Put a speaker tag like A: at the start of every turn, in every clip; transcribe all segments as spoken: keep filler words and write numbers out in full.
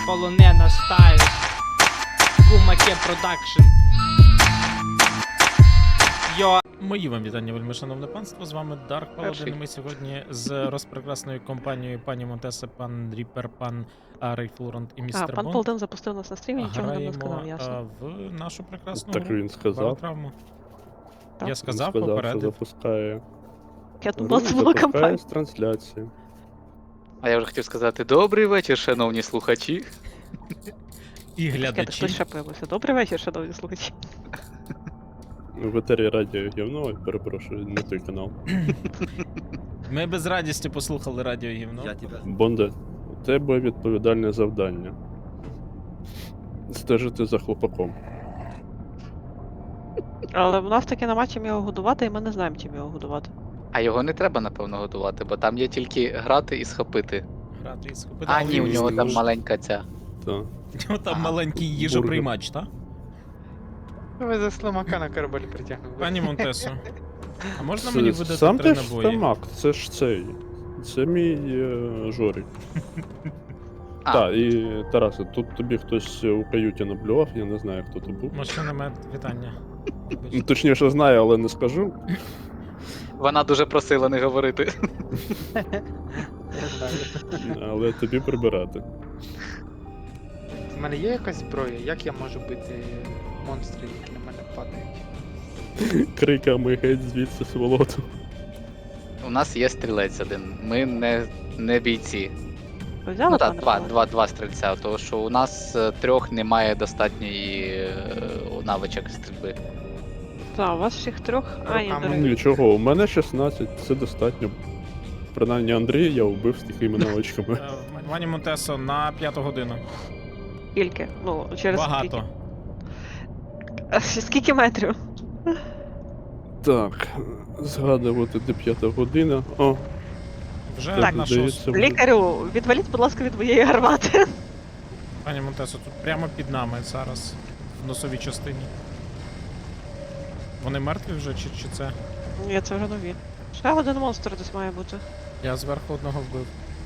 A: полонена стайл. Кумаке продакшн. Йо.
B: Мої вам вітання, вельми шановне панство, з вами Dark Paladin. Ми сьогодні з розпрекрасною компанією пані Монтеса, пан Ріпер, пан Рейфлорант і
C: А,
B: містер
C: пан
B: Бонд.
C: Полден запустив нас на стрімі, нічого не
B: Граємо
C: сказав, ясно.
B: а, в нашу прекрасну
D: Так
B: гру
D: він сказав.
B: Баротравму.
C: Так.
B: Я
D: Він
B: сказав,
D: сказав, що
B: попередив.
D: запускає.
C: Я думала, це була
D: запускає
C: кампанія.
D: з трансляції.
E: А я вже хотів сказати добрий вечір, шановні слухачі.
B: І
C: Чекайте,
B: глядачі.
C: хтось ще появився. Добрий вечір, шановні слухачі.
D: В етері радіо гівно, перепрошую, не той канал.
B: Ми без радісті послухали радіо гівно.
D: Бонде, у тебе відповідальне завдання. Стежити за хлопаком.
C: Але в нас таки нема чим його годувати, і ми не знаємо, чим його годувати.
E: А його не треба, напевно, годувати, бо там є тільки грати і схопити.
B: Грати і схопити.
E: А, ні, у
D: він
E: нього там
D: ж-
E: маленька ця.
D: Та.
B: У нього там
E: Ага.
B: маленький їжоприймач, так?
A: Ви за слимака на корабель притягнули.
B: Пані Монтесо, а можна
D: Це-
B: мені видати
D: Сам
B: три
D: ти ж
B: набої?
D: стамак, це ж цей. Це мій е, Жорик.
E: А,
D: Так, і Тарасе, тут тобі хтось у каюті наблював, я не знаю, хто то був.
B: Машина мед, вітання.
D: Ну, точніше знаю, але не скажу.
E: вона дуже просила не говорити.
D: Але тобі прибирати.
A: У мене є якась зброя, як я можу бити монстрів, які на мене падають?
D: Криками геть звідси сволоту.
E: У нас є стрілець один. Ми не, не бійці.
C: Ви взяли
E: Ну так,
C: пане
E: два,
C: Павло?
E: два, два стрільця, тому що у нас е, трьох немає достатньої е, навичок стрільби.
C: Так, у вас всіх трьох. А, ні,
A: Руками.
C: до речі.
D: Нічого, у мене шістнадцять, це достатньо. Принаймні Андрія я вбив з такими навичками.
B: Е, Пані Монтесо, на п'яту годину.
C: Скільки? Ну, через
B: Багато.
C: скільки? А, ще скільки метрів?
D: Так, згадувати, де п'ята година. О,
B: Вже
D: так,
B: на
D: здається,
B: шосту.
D: вже-
C: Лікарю, відваліть, будь ласка, від моєї гармати.
B: Пані Монтесо, тут прямо під нами зараз, в носовій частині. Вони мертві вже, чи, чи це?
C: Ні, це вже нові. Ще один монстр десь має бути.
B: Я зверху одного вбив.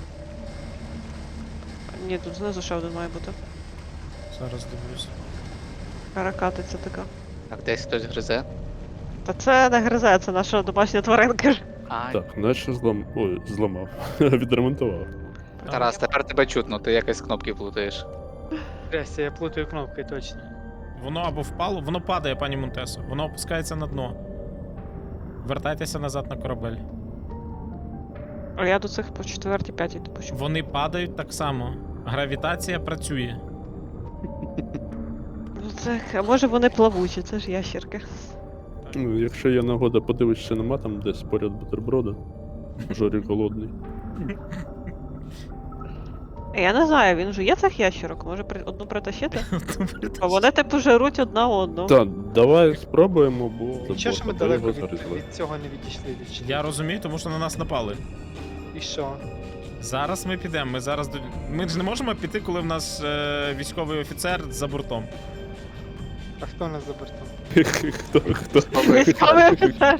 C: Ні, тут знизу ще один має бути.
B: Зараз дивлюсь.
C: Каракатиця така.
E: Так, десь хтось гризе.
C: Та це не гризе, це наша домашня тваринка.
E: А,
D: так, наче злам... Ой, зламав. Відремонтував.
E: Тарас, тепер тебе чутно, ти якось кнопки плутаєш.
A: Трясся, я плутаю кнопки, точно.
B: Воно або впало, воно падає, пані Монтесо. Воно опускається на дно. Вертайтеся назад на корабель.
C: А я до цих по четвертій, п'ятій допущу.
B: Вони падають так само. Гравітація працює.
C: Ну це, а може вони плавучі, це ж ящерки.
D: Ну, якщо є нагода подивишся, нема там десь поряд бутерброда. Жорік голодний.
C: Я не знаю, він жує цих ящерок, може при... одну притащити? А вони типу жируть одна одну.
D: Так, давай спробуємо, бо...
A: Нічого, що ми
D: бо
A: далеко
D: його
A: від,
D: зарізали.
A: від цього не відійшли від
B: Я розумію, тому що на нас напали.
A: І що?
B: Зараз ми підемо. Ми зараз до. Ми ж не можемо піти, коли в нас е, військовий офіцер за бортом.
A: А хто у нас за бортом?
D: Хто, хто,
C: Військовий офіцер.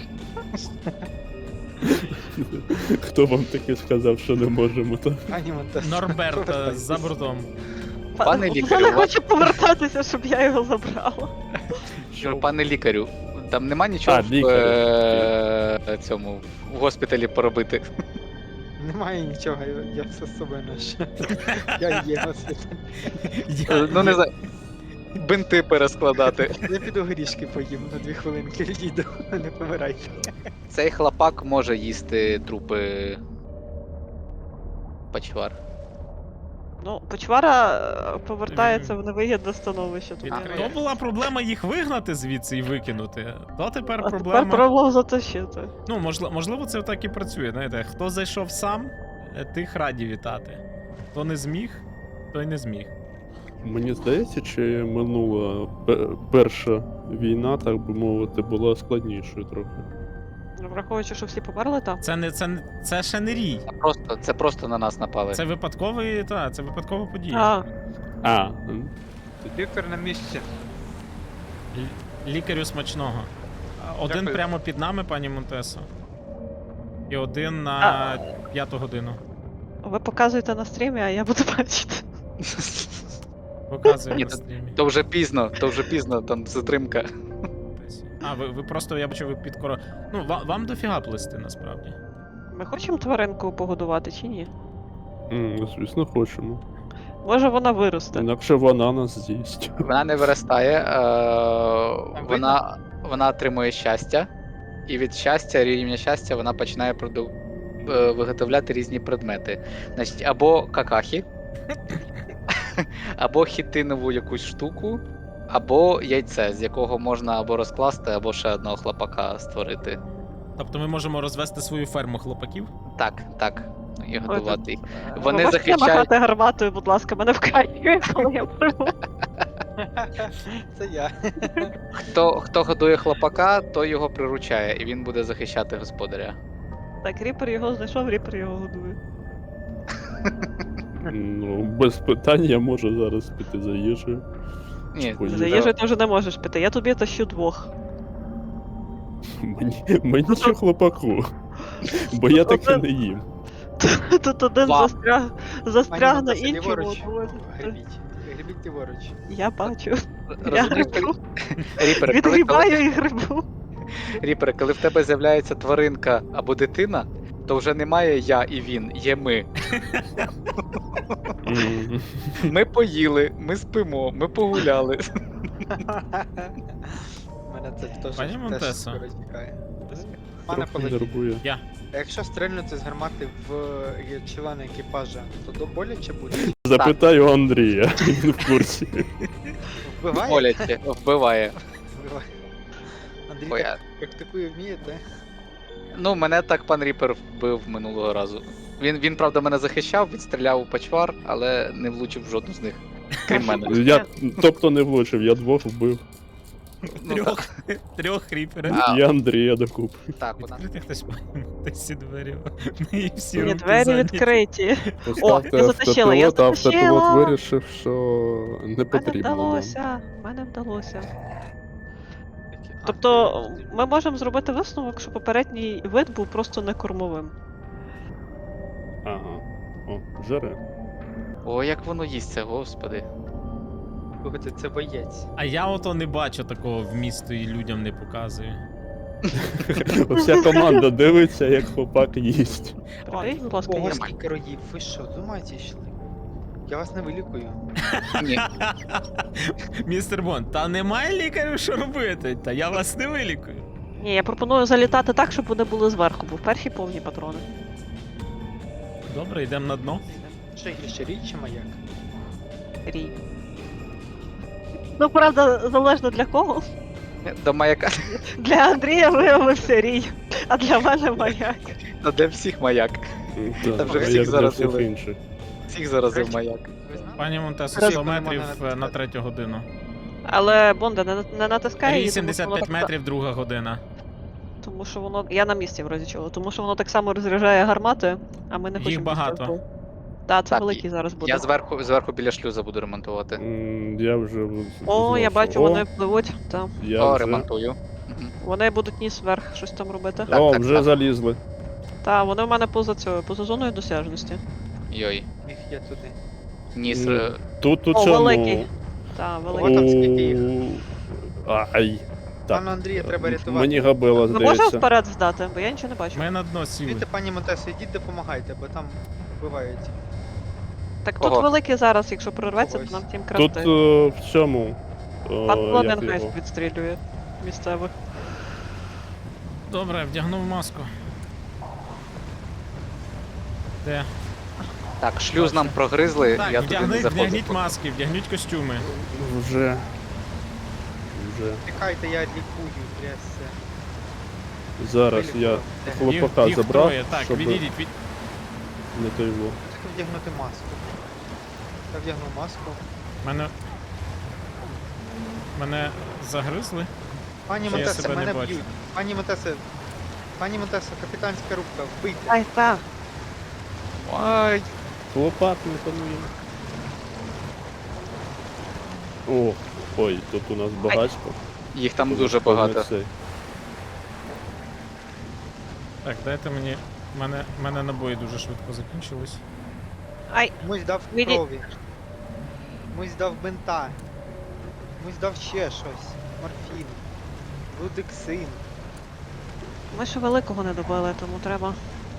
D: хто вам таке сказав, що не можемо, так?
A: Ані Монтес.
B: Норберт е, за бортом.
E: Пане
C: Я
E: лікарю,
C: не
E: у вас-
C: хочу повертатися, щоб я його забрала.
E: Що, пане лікарю, там нема нічого
D: А,
E: в
D: лікарю.
E: е, цьому в госпіталі поробити.
A: Немає нічого, я, я все з собою ношу. Я є на світі.
B: Я,
E: Ну не знаю. Бинти перескладати.
A: Я піду горішки поїм на дві хвилинки відійду, не помирайте.
E: Цей хлопак може їсти трупи. Пачвар.
C: Ну, почвара е, повертається в невигідне становище. Тут
E: А,
C: не
B: То
C: вигідно.
B: була проблема їх вигнати звідси і викинути. То тепер
C: А
B: проблема.
C: тепер проблем затащити.
B: Ну, можливо, можливо, це так і працює. Знаєте, хто зайшов сам, е, тих раді вітати. Хто не зміг, той не зміг.
D: Мені здається, чи минула пе- перша війна, так би мовити, була складнішою трохи.
C: Ну, враховуючи, що всі померли там.
B: Це не це, не- це ще не рій.
E: Це просто, це просто на нас напали.
B: Це випадковий, та, це випадкова подія.
C: А,
D: А, м.
A: Віктор на місці.
B: Л- Лікарю смачного. А, Один
A: Дякую.
B: прямо під нами, пані Монтесо. І один на п'яту годину.
C: ви показуєте на стрімі, а я буду бачити.
B: Показує
E: Ні,
B: на
E: то-
B: стрімі.
E: То вже пізно, то вже пізно, там затримка.
B: А, ви, ви просто, я бачу, ви підкоро. Ну, вам, вам дофіга плести насправді.
C: Ми хочемо тваринку погодувати чи ні?
D: М, Звісно, хочемо.
C: Може вона виросте.
D: Інакше вона нас з'їсть.
E: Вона не виростає, е, вона, вона отримує щастя, і від щастя, рівня щастя, вона починає проду... е, виготовляти різні предмети. Значить, або какахи, або хітинову якусь штуку, або яйце, з якого можна або розкласти, або ще одного хлопака створити.
B: Тобто ми можемо розвести свою ферму хлопаків?
E: Так, так. І готувати їх.
C: Ви
E: Вони
C: можете
E: захищають.
C: махати гарматою, будь ласка, мене вкаює, коли я пливу.
A: Це я.
E: Хто, хто годує хлопака, той його приручає, і він буде захищати господаря.
C: Так, Ріпер його знайшов, Ріпер його годує.
D: Ну, без питань я можу зараз піти за їжею.
E: Ні,
D: Ой,
C: За
D: Їжа.
C: їжею ти вже не можеш піти, я тобі тащу двох.
D: Мені, мені чи хлопаку. Бо я таке не їм.
C: Тут один
E: Вам.
C: застряг, застряг на
A: Монтесе,
C: іншому.
A: ліворуч.
C: тому-
A: Гребіть. Гребіть ліворуч.
C: Я бачу. Я
E: розумієш,
C: грибу.
E: Ріпер, коли, коли,
C: Відгрібаю і грибу.
E: Ріпер, коли в тебе з'являється тваринка або дитина, то вже немає я і він, є ми.
D: М.
E: Ми поїли, ми спимо, ми погуляли.
A: Мене це теж
B: Пані
A: теж
B: Монтесо.
A: скоро тікає. Пане
D: Трохи
A: Паладін,
D: нервує.
B: Я.
A: а якщо стрельнути з гармати в е, члена екіпажа, то до боляче буде?
D: Запитаю Андрія, він в курсі.
A: Вбиває?
E: Боляче, вбиває.
A: Вбиває. Андрій
E: Ой,
A: так практикує, вміє, так?
E: Ну, мене так пан Ріпер вбив минулого разу. Він, він правда, мене захищав, відстріляв у почвар, але не влучив в жодну з них. Крім мене.
D: Я, тобто не влучив, я двох вбив.
E: Ну,
B: Трьох, трьох ріперів.
E: А.
D: І Андрія докупи.
E: Так, у нас.
B: Відкрити хтось пані Монтесі двері. І всі
C: Ні,
B: руки
C: двері
B: зайняті.
C: відкриті.
D: Поставте
C: я затащила, я
D: автопілот, а автопілот
C: затащила.
D: вирішив, що не
C: Мене
D: потрібно нам.
C: вдалося, мене вдалося. Тобто ми можемо зробити висновок, що попередній вид був просто не кормовим.
D: Ага. О, жере.
E: О, як воно їсться, господи.
A: Слухайте, це боєць.
B: А я ото не бачу такого вмісту і людям не показую.
D: Вся команда дивиться, як хлопак їсть.
C: Прикрий, будь ласка,
A: Ого,
C: я.
A: скільки роїв, ви що, з ума зійшли? Я вас не вилікую.
E: Ні.
B: Містер Бонд, та немає лікарів, що робити, та я вас не вилікую.
C: Ні, я пропоную залітати так, щоб вони були зверху, бо в перші повні патрони.
B: Добре, йдемо на дно.
A: Що гірше, річ чи маяк?
C: Рій. Ну, правда, залежно для кого.
E: До маяка.
C: Для Андрія виявився рій, а для мене маяк.
E: Та для всіх маяк.
D: Так,
E: Та вже
D: а
E: всіх
D: як для
E: заразили.
D: всіх інших.
E: Всіх заразив маяк.
A: Ви знаєте?
B: Пані Монтесо,
A: Раз,
B: сто
A: коли
B: метрів
A: мене
B: е, на третю годину.
C: Але Бонда не, не натискає її, тому що
B: сімдесят
C: воно
B: п'ять
C: так-
B: метрів, друга година.
C: Тому що воно. Я на місці в разі чого, тому що воно так само розряджає гармати, а ми не
B: Їх
C: хочемо.
B: багато.
C: Так, це
E: Так,
C: великий зараз буде.
E: Я зверху, зверху біля шлюза буду ремонтувати.
D: М, Я вже в-
C: О, я
D: знав,
C: бачу,
D: що-
C: вони пливуть. Так.
D: Я
E: О,
D: вже...
E: ремонтую. Мгм.
C: Вони будуть ніс вверх щось там робити.
E: Так,
D: О,
E: так,
D: вже
E: так.
D: залізли.
C: Та, вони в мене поза цього, поза зоною досяжності.
E: Йой.
A: Їх є туди.
E: Ніс.
D: Ну,
E: е,
D: Тут у
C: О,
D: цьому...
C: великий. Та,
A: О,
C: великий.
A: там скільки їх.
D: У- Ай. Так.
A: Пану Андрія треба рятувати.
D: Мені габела,
C: Ми можемо
D: здається.
C: вперед здати, бо я нічого не бачу.
B: Ми на дно сіли.
A: Дивіться, пані Монтесо, йдіть допомагайте, бо там вбивають.
C: Так
E: Кого?
C: тут великий зараз, якщо прорветься, то
A: Когось.
C: нам тім
D: Тут
C: красти.
D: е, в цьому... о,
C: Пан
D: як
C: Лоденгайст
D: його?
C: відстрілює місцевих.
B: Добре, вдягнув маску. Де?
E: Так, шлюз нам прогризли,
B: Так,
E: я туди не
B: вдягніть,
E: заходжу.
B: вдягніть маски, вдягніть костюми.
D: Вже. Вже.
A: Тікайте, я лікую, трясся.
D: Зараз я
A: Вилікував. Де?
B: Їх,
D: хлопака
B: їх
D: забрав,
B: троє. Так,
D: щоб
B: відійдіть, від...
D: не той во.
A: Тільки вдягнути маску. Я вдягнув маску.
B: Мене... Мене загризли?
A: Пані
B: Чи я
A: Монтесо,
B: себе не
A: мене
B: бачу?
A: б'ють. Пані Монтесо, пані Монтесо, капітанська рубка, вбийте.
C: Ай, та.
E: Ай,
D: Хлопак не панує. О, ой, тут у нас багатько.
E: їх там дуже багато.
D: Цей.
B: Так, дайте мені... Мене, мене набої дуже швидко закінчились.
C: Ай,
A: Комусь дав
C: Віді-
A: крові. Комусь дав бинта. Комусь дав ще щось. Морфін. Лудексин.
C: Ми ще великого не добили, тому треба.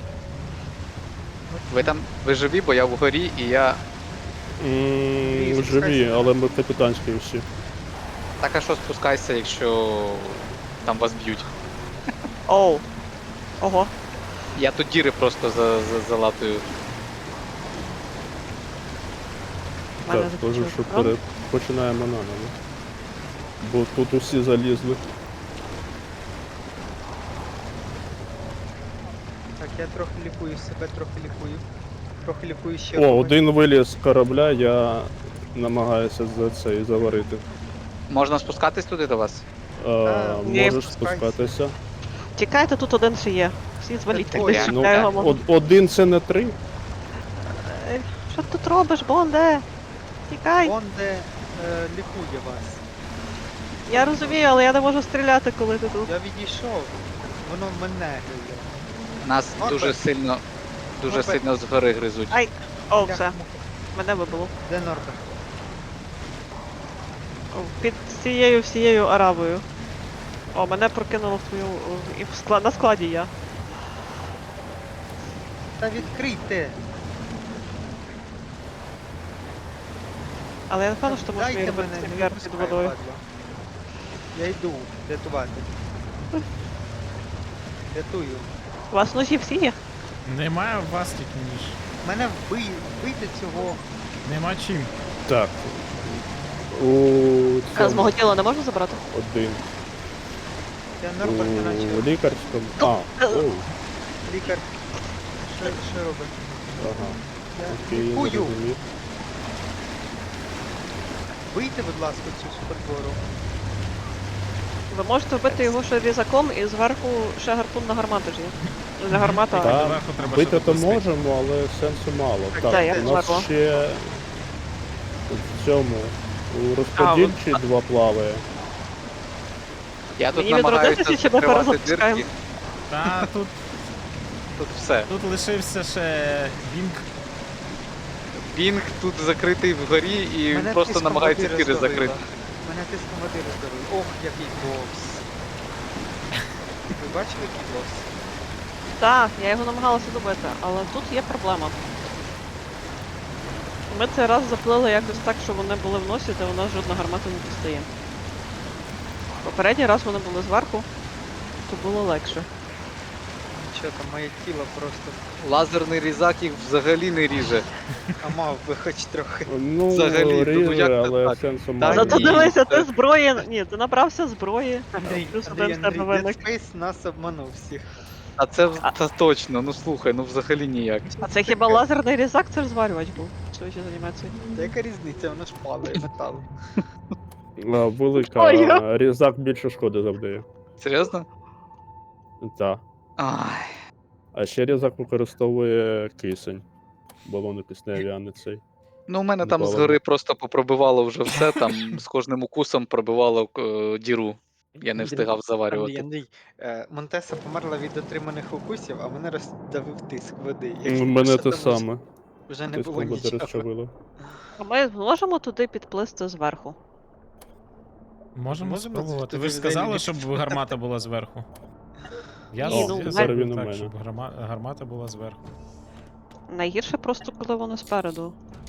E: Ви там ви живі, бо я вгорі і я.
D: М, Живі, але ми капітанські всі.
E: Так а що спускайся, якщо там вас б'ють.
C: Оу. Ого.
E: Я тут діри просто за, за, залатую.
C: в мене
D: Так,
C: закінчився
D: теж, що
C: патрон.
D: пере... починаємо наново. Бо тут усі залізли.
A: Так, я трохи лікую себе, трохи лікую. Трохи лікую ще.
D: О,
A: когось.
D: один виліз з корабля, я намагаюся за це і заварити.
E: Можна спускатись туди до вас?
D: Е,
C: ні,
D: можеш
A: спускайся.
D: спускатися.
C: Тікайте, тут один ще є. Всі зваліть,
A: Ой,
C: десь
E: я-
D: Ну,
C: шукаю його.
D: од- один це не три.
C: Е, Що ти тут робиш, Бонде? Тікай!
A: Он де е, лікує вас.
C: Я розумію, але я не можу стріляти, коли ти тут.
A: Я відійшов. Воно мене гриє.
E: Нас
A: Норберт.
E: дуже сильно. Дуже
A: Норберт.
E: сильно згори гризуть.
C: Ай! О,
A: Як
C: все,
A: муха.
C: мене вибило.
A: Де Норберт?
C: О, Під цією всією арабою. О, мене прокинуло в твою. о, І в склад... на складі я.
A: Та відкрийте.
C: Але я не певна, що можеш
A: Дайте
C: мені
A: мене,
C: робити
A: не
C: вверх під
A: відпускай,
C: водою.
A: падла. Я йду рятувати. Рятую.
C: У вас ножі всі є?
B: Немає у вас тільки ніж.
A: Мене вбий, вбийте цього.
B: Нема чим.
D: Так. У
C: А з мого
D: цьому
C: тіла не можна забрати?
D: один.
A: Я Норберт не наче
D: У лікарському. А, оу.
A: лікар. Що, що робить?
D: Ага.
A: Я
D: Окей, я
A: лікую.
D: зрозумів.
A: Вийте, будь ласка, цю супердвору.
C: Ви можете вбити його ще різаком і зверху ще гарпун на гармату ж є. Ну, не гармата, а
D: Так.
B: Доверху треба
D: Бити
B: ще
D: то
B: допустити.
D: можемо, але сенсу мало.
A: Так,
D: Так,
C: так, я
D: у нас
C: зверху.
D: ще в цьому у розподільчі два плаває.
E: Я тут
C: Мені
E: намагаюся
C: відродитися чи ми
E: закривати
C: перезапускаємо?
E: дирки.
B: Та тут,
E: Тут все.
B: тут лишився ще Бінг.
E: Бінг тут закритий вгорі і
A: Мене
E: просто
A: тиском
E: намагається
A: води
E: тіри
A: роздавило.
E: закрити.
A: Мене тиском води роздавило. Ох, який бокс. Ви бачили, який бокс?
C: Так, я його намагалася добити, але тут є проблема. Ми цей раз заплили якось так, що вони були в носі, де у нас жодна гармата не достає. Попередній раз вони були зверху, то було легше.
A: Нічого там, моє тіло просто.
E: Лазерний різак їх взагалі не ріже.
A: А мав би хоч трохи.
D: Ну,
E: Взагалі, ну,
D: ріже,
E: як це
D: але
E: так?
D: сенсу
E: Та
D: мало.
C: Зато
E: ні,
C: дивися,
E: це-
C: ти зброї. Ні, ти набрався зброї.
A: Андрій,
C: Плюс
A: Андрій,
C: один в тебе
A: Андрій,
C: виник.
A: Dead Space нас обманув всіх.
E: А це, це точно, ну слухай, ну взагалі ніяк.
C: А це хіба лазерний різак, це ж зварювач був. Що ще з анімацією?
A: Та яка різниця, воно ж падає метал.
D: А, велика.
C: Ой, я-
D: Різак більше шкоди завдає.
E: Серйозно?
D: Так.
E: Ай.
D: А ще різак використовує кисень. Балони кисневі, а не цей.
E: Ну, у мене там
D: Ніколи.
E: згори просто попробивало вже все, там з кожним укусом пробивало е, діру. Я не
A: Андрій,
E: встигав
A: Андрій,
E: заварювати.
A: Андрій, е, Монтеса померла від отриманих укусів, а мене роздавив тиск води.
D: У
A: Якщо
D: мене
A: ще
D: те
A: там
D: саме.
A: Вже не
D: Ти
A: було
D: води
A: нічого.
D: розчавило.
C: А ми можемо туди підплисти зверху.
B: Можемо
A: Можемо
B: спробувати.
A: туди
B: Ви ж
A: взагалі
B: сказали,
A: не
B: щоб гармата була зверху. Я
C: Ні,
B: з-
C: ну,
B: я
C: ми-
B: зроблю
D: Зараз він у
B: так,
D: мене.
B: щоб гарма- гармата була зверху.
C: Найгірше просто, коли вони спереду.